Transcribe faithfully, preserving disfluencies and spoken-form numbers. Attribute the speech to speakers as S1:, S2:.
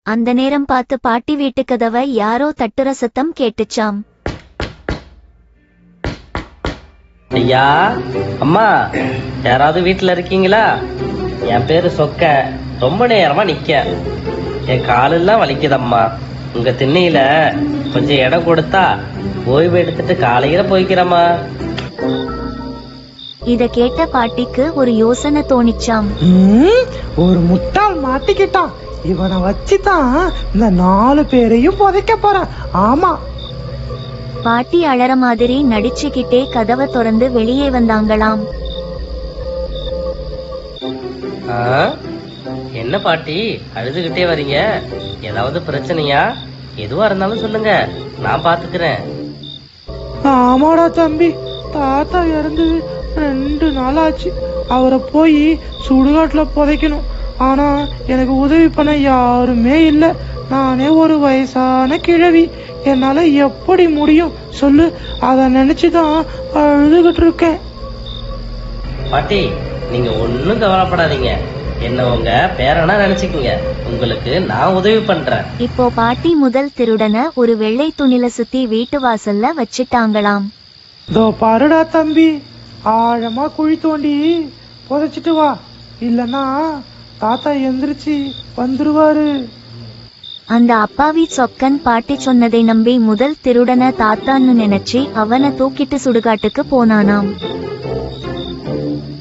S1: அந்த நேரம் பார்த்து பாட்டி வீட்டு கதவை யாரோ தட்டுற சத்தம் கேட்டுச்சாம்.
S2: ஐயா, அம்மா, யாராவது வீட்டுல இருக்கீங்களா? என் பேரு சொக்க. ரொம்ப நேரமா நிக்க என் காலெல்லாம் வலிக்குதம்மா. உங்க திண்ணையில கொஞ்சம் இடம் கொடுத்தா ஓய்வு எடுத்துட்டு காலையில போய்க்கிறம்மா.
S1: இத கேட்ட பாட்டிக்கு ஒரு யோசனை தோணிச்சாம்.
S3: ஒரு முட்டாள் மாட்டிக்கிட்டான். இவனை வச்சுதான் இந்த நாலு பேரையும் புதைக்க போறான். ஆமா.
S1: பாட்டி அழற மாதிரி நடிச்சுக்கிட்டே கதவை திறந்து வெளியே வந்தாங்களாம்.
S2: என்ன பாட்டி அழுதுகிட்டே வரீங்க? ஏதாவது பிரச்சனையா? எதுவா இருந்தாலும் சொல்லுங்க, நான் பாத்துக்கிறேன்.
S3: ஆமாடா தம்பி, தாத்தா இறந்து ரெண்டு நாள் ஆச்சு. அவரை போய் சுடுகாட்டுல புதைக்கணும். ஆனா எனக்கு உதவி பண்ண யாருமே இல்ல. நானே ஒரு வயசான கிழவி. என்னால எப்படி முடியும் சொல்லு? அத நினைச்சுதான் அழுதுகிட்டு இருக்கேன்.
S2: பாட்டி, நீங்க ஒன்னும் கவலைப்படாதீங்க. என்ன உங்க பேரனா நினைச்சுக்கீங்க. உங்களுக்கு நான் உதவி பண்றேன்.
S1: இப்போ பாட்டி முதல் திருடனை ஒரு வெள்ளை துணில சுத்தி வீட்டு வாசல்ல வச்சிட்டாங்களாம்.
S3: இதோ பாருடா தம்பி, ஆழமா குழி தோண்டி புதைச்சிட்டு வா, இல்லன்னா தாத்தா எந்திரிச்சு வந்துருவாரு.
S1: அந்த அப்பாவி சொக்கன் பாட்டி சொன்னதை நம்பி முதல் திருடனை தாத்தான்னு நினைச்சு அவனை தூக்கிட்டு சுடுகாட்டுக்கு போனானாம்.